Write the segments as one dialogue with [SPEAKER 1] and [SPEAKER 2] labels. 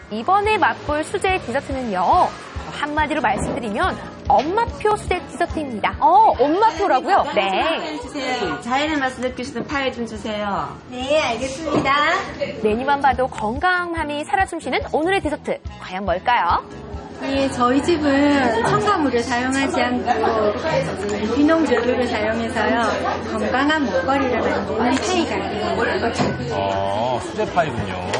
[SPEAKER 1] 이번에 맛볼 수제 디저트는요. 한마디로 말씀드리면 엄마표 수제 디저트입니다.
[SPEAKER 2] 엄마표라고요?
[SPEAKER 1] 네.
[SPEAKER 3] 주세요. 자연의 맛을 느낄 수 있는 파이 좀 주세요.
[SPEAKER 4] 네, 알겠습니다.
[SPEAKER 1] 메뉴만 봐도 건강함이 살아 숨쉬는 오늘의 디저트. 과연 뭘까요?
[SPEAKER 4] 예, 저희 집은 첨가물을 사용하지 않고 유기농 재료를 사용해서요. 건강한 먹거리를 만드는 파이가 있습니다.
[SPEAKER 5] 수제 파이군요.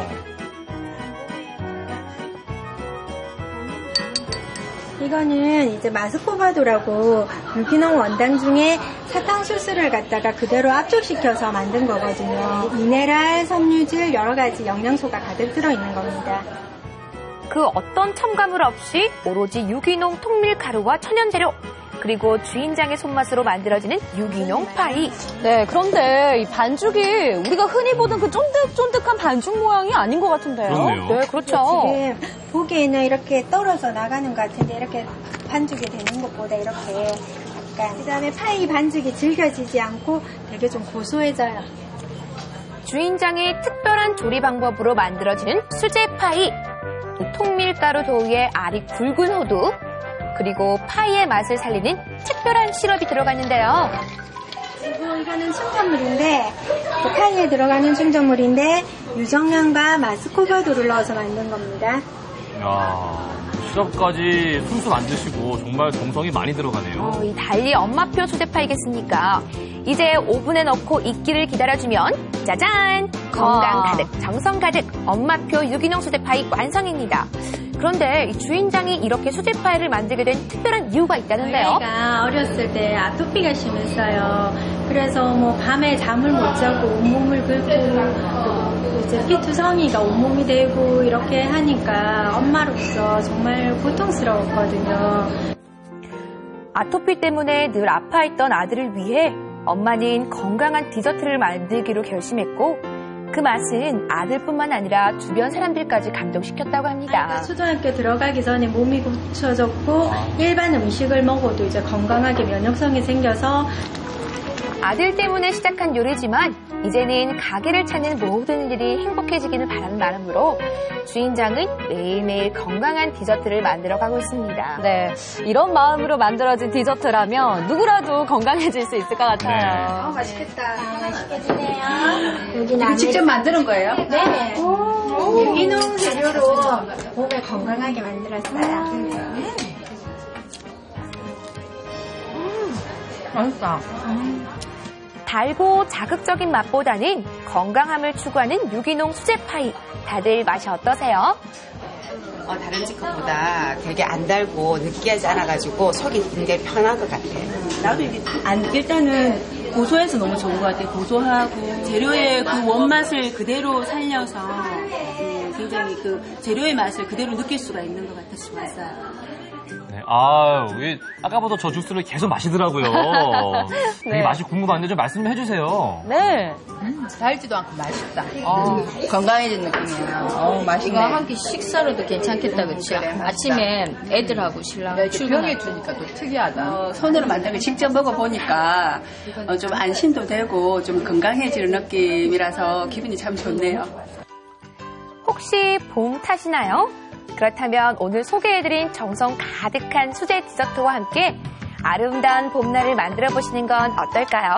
[SPEAKER 4] 이거는 이제 마스코바도라고 유기농 원당 중에 사탕수수를 갖다가 그대로 압축시켜서 만든 거거든요. 미네랄, 섬유질, 여러 가지 영양소가 가득 들어있는 겁니다.
[SPEAKER 1] 그 어떤 첨가물 없이 오로지 유기농 통밀 가루와 천연재료, 그리고 주인장의 손맛으로 만들어지는 유기농 파이.
[SPEAKER 2] 네, 그런데 이 반죽이 우리가 흔히 보던 그 쫀득쫀득한 반죽 모양이 아닌 것 같은데요.
[SPEAKER 5] 그렇네요.
[SPEAKER 1] 네, 그렇죠.
[SPEAKER 4] 지금 보기에는 이렇게 떨어져 나가는 것 같은데 이렇게 반죽이 되는 것보다 이렇게 약간 그다음에 파이 반죽이 질겨지지 않고 되게 좀 고소해져요.
[SPEAKER 1] 주인장의 특별한 조리 방법으로 만들어지는 수제 파이. 통밀가루 도우에 알이 굵은 호두, 그리고 파이의 맛을 살리는 특별한 시럽이 들어가 있는데요.
[SPEAKER 4] 그리고 이거는 충전물인데 그 파이에 들어가는 충전물인데 유정량과 마스코바도를 넣어서 만든 겁니다.
[SPEAKER 5] 이야, 시럽까지 순수 만드시고 정말 정성이 많이 들어가네요.
[SPEAKER 1] 이 달리 엄마표 수제 파이겠습니까? 이제 오븐에 넣고 익기를 기다려주면 짜잔! 건강 가득, 정성 가득 엄마표 유기농 수제 파이 완성입니다. 그런데 이 주인장이 이렇게 수제 파이를 만들게 된 특별한 이유가 있다는데요.
[SPEAKER 4] 저희가 어렸을 때 아토피가 심했어요. 그래서 뭐 밤에 잠을 못 자고 온몸을 긁고 이제 피투성이가 온몸이 되고 이렇게 하니까 엄마로서 정말 고통스러웠거든요.
[SPEAKER 1] 아토피 때문에 늘 아파했던 아들을 위해 엄마는 건강한 디저트를 만들기로 결심했고 그 맛은 아들뿐만 아니라 주변 사람들까지 감동시켰다고 합니다.
[SPEAKER 4] 초등학교 들어가기 전에 몸이 고쳐졌고 일반 음식을 먹어도 이제 건강하게 면역성이 생겨서
[SPEAKER 1] 아들 때문에 시작한 요리지만 이제는 가게를 찾는 모든 일이 행복해지기를 바라는 마음으로 주인장은 매일매일 건강한 디저트를 만들어가고 있습니다.
[SPEAKER 2] 네, 이런 마음으로 만들어진 디저트라면 누구라도 건강해질 수 있을 것 같아요.
[SPEAKER 5] 네.
[SPEAKER 4] 맛있겠다. 맛있겠네요.
[SPEAKER 6] 이거 직접 만드는 거예요?
[SPEAKER 4] 네. 유기농 재료로 몸을 건강하게 만들었어요.
[SPEAKER 6] 맛있다.
[SPEAKER 1] 달고 자극적인 맛보다는 건강함을 추구하는 유기농 수제 파이. 다들 맛이 어떠세요?
[SPEAKER 3] 다른 집 것보다 되게 안 달고 느끼하지 않아가지고 속이 굉장히 편한 것 같아요.
[SPEAKER 7] 나도 이게 일단은 고소해서 너무 좋은 것 같아요. 고소하고 재료의 그 원맛을 그대로 살려서 굉장히 그 재료의 맛을 그대로 느낄 수가 있는 것 같아서 좋았어요.
[SPEAKER 5] 네, 아까부터 저 주스를 계속 마시더라고요. 되게
[SPEAKER 2] 네.
[SPEAKER 5] 맛이 궁금한데 좀 말씀 좀 해주세요.
[SPEAKER 2] 네.
[SPEAKER 6] 달지도 않고 맛있다. 건강해진 느낌이야. 맛있네.
[SPEAKER 8] 이거 한 끼 식사로도 괜찮겠다, 그치? 아침에 애들하고 신랑
[SPEAKER 6] 출근해 주니까 또 특이하다.
[SPEAKER 7] 손으로 만든 거 직접 먹어보니까 좀 안심도 되고 좀 건강해지는 느낌이라서 기분이 참 좋네요.
[SPEAKER 1] 혹시 봄 탓이나요? 그렇다면 오늘 소개해드린 정성 가득한 수제 디저트와 함께 아름다운 봄날을 만들어 보시는 건 어떨까요?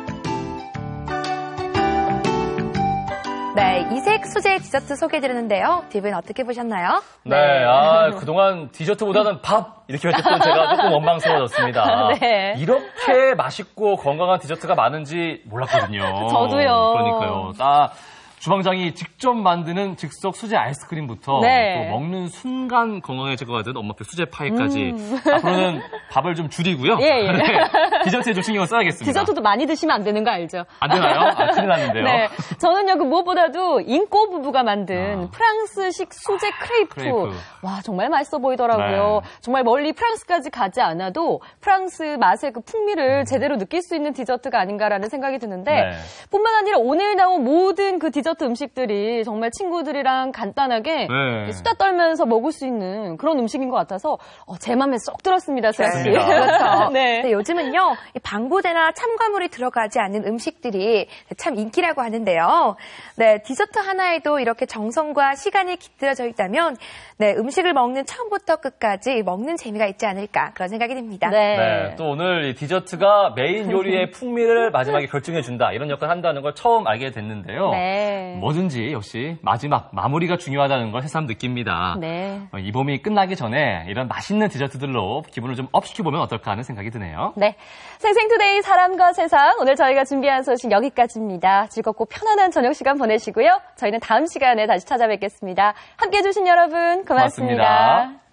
[SPEAKER 1] 네, 이색 수제 디저트 소개해드렸는데요. 딥은 어떻게 보셨나요?
[SPEAKER 5] 네, 그동안 디저트보다는 밥 이렇게 했던 제가 조금 원망스러워졌습니다.
[SPEAKER 2] 네.
[SPEAKER 5] 이렇게 맛있고 건강한 디저트가 많은지 몰랐거든요.
[SPEAKER 2] 저도요.
[SPEAKER 5] 그러니까요. 주방장이 직접 만드는 즉석 수제 아이스크림부터
[SPEAKER 2] 네.
[SPEAKER 5] 또 먹는 순간 건강해질 것 같은 엄마표 수제 파이까지 앞으로는 밥을 좀 줄이고요.
[SPEAKER 2] 예.
[SPEAKER 5] 네, 디저트에 좀 신경을 써야겠습니다.
[SPEAKER 2] 디저트도 많이 드시면 안 되는 거 알죠?
[SPEAKER 5] 안 되나요? 큰일 났는데요.
[SPEAKER 2] 네. 저는요, 그 무엇보다도 인꼬 부부가 만든 프랑스식 수제 크레이프. 와, 정말 맛있어 보이더라고요.
[SPEAKER 5] 네.
[SPEAKER 2] 정말 멀리 프랑스까지 가지 않아도 프랑스 맛의 그 풍미를 제대로 느낄 수 있는 디저트가 아닌가라는 생각이 드는데
[SPEAKER 5] 네.
[SPEAKER 2] 뿐만 아니라 오늘 나온 모든 그 디저트 음식들이 정말 친구들이랑 간단하게
[SPEAKER 5] 네.
[SPEAKER 2] 수다 떨면서 먹을 수 있는 그런 음식인 것 같아서 제 맘에 쏙 들었습니다, 수아 씨.
[SPEAKER 5] 좋습니다.
[SPEAKER 1] 그렇죠.
[SPEAKER 2] 네.
[SPEAKER 1] 네, 요즘은요, 이 방부제나 첨가물이 들어가지 않는 음식들이 참 인기라고 하는데요. 네, 디저트 하나에도 이렇게 정성과 시간이 깃들어져 있다면 네, 음식을 먹는 처음부터 끝까지 먹는 재미가 있지 않을까 그런 생각이 듭니다.
[SPEAKER 5] 네, 또 오늘 이 디저트가 메인 요리의 풍미를 마지막에 결정해준다 이런 역할을 한다는 걸 처음 알게 됐는데요.
[SPEAKER 2] 네.
[SPEAKER 5] 뭐든지 역시 마지막 마무리가 중요하다는 걸 새삼 느낍니다.
[SPEAKER 2] 네.
[SPEAKER 5] 이 봄이 끝나기 전에 이런 맛있는 디저트들로 기분을 좀 업시켜보면 어떨까 하는 생각이 드네요.
[SPEAKER 2] 네. 생생투데이 사람과 세상 오늘 저희가 준비한 소식 여기까지입니다. 즐겁고 편안한 저녁 시간 보내시고요. 저희는 다음 시간에 다시 찾아뵙겠습니다. 함께해 주신 여러분 고맙습니다.